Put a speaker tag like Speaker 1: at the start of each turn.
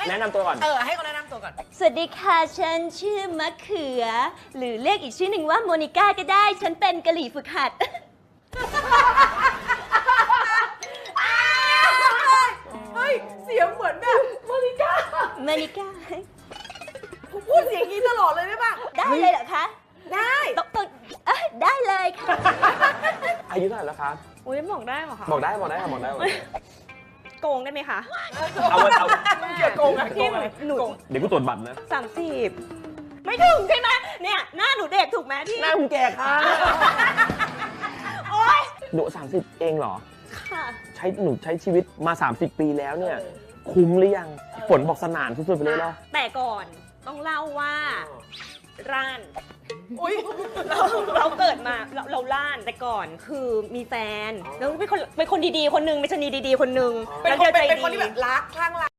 Speaker 1: แนะนำตัวก่อน
Speaker 2: ให้เขาแนะนำตัวก่อน
Speaker 3: สวัสดีค่ะฉันชื่อมะเขือ หรือเรียกอีกชื่อหนึ่งว่าโมนิก้าก็ได้ฉันเป็นกะหรี่ฝึกหัด
Speaker 2: เฮ้ยเสียงเหมือนแบบโมนิก้าพูดเสียงนี้ตลอดเลยได้ป่ะ
Speaker 3: ได้เลยเหรอคะ
Speaker 2: ได้
Speaker 3: ต้องได้เลยค่ะ
Speaker 1: อายุเท่าไหร่แล้วคะ
Speaker 3: อุ้ยบอกได้เหรอคะ
Speaker 1: บอกได้ค่ะบอกได้
Speaker 3: โกงได้ไหมคะ
Speaker 1: เอา
Speaker 2: เกี่ยวโกง
Speaker 3: ที่หนู
Speaker 1: เดี๋ยวกูตรวจบัตรนะ
Speaker 3: 30ไม่ถึงใช่ไหมเนี่ยหน้าหนูเด็กถูกไหมที่
Speaker 1: หน้ามึงแก่ค่ะ
Speaker 3: โอ๊ย
Speaker 1: หนู30เองเหรอ
Speaker 3: ค่ะ
Speaker 1: หนูใช้ชีวิตมา30 ปีแล้วเนี่ยคุ้มหรือยังฝนบอกสนานสุดๆไปเลยเหรอ
Speaker 3: แต่ก่อนต้องเล่าว่าร้าน
Speaker 2: อุ้ย
Speaker 3: เราเกิดมาเราล้านแต่ก่อนคือมีแฟนแล้วเป็นคนดีๆคนนึงไม่ใช่ดีๆคนนึง
Speaker 2: เป็นคนที่แบบร้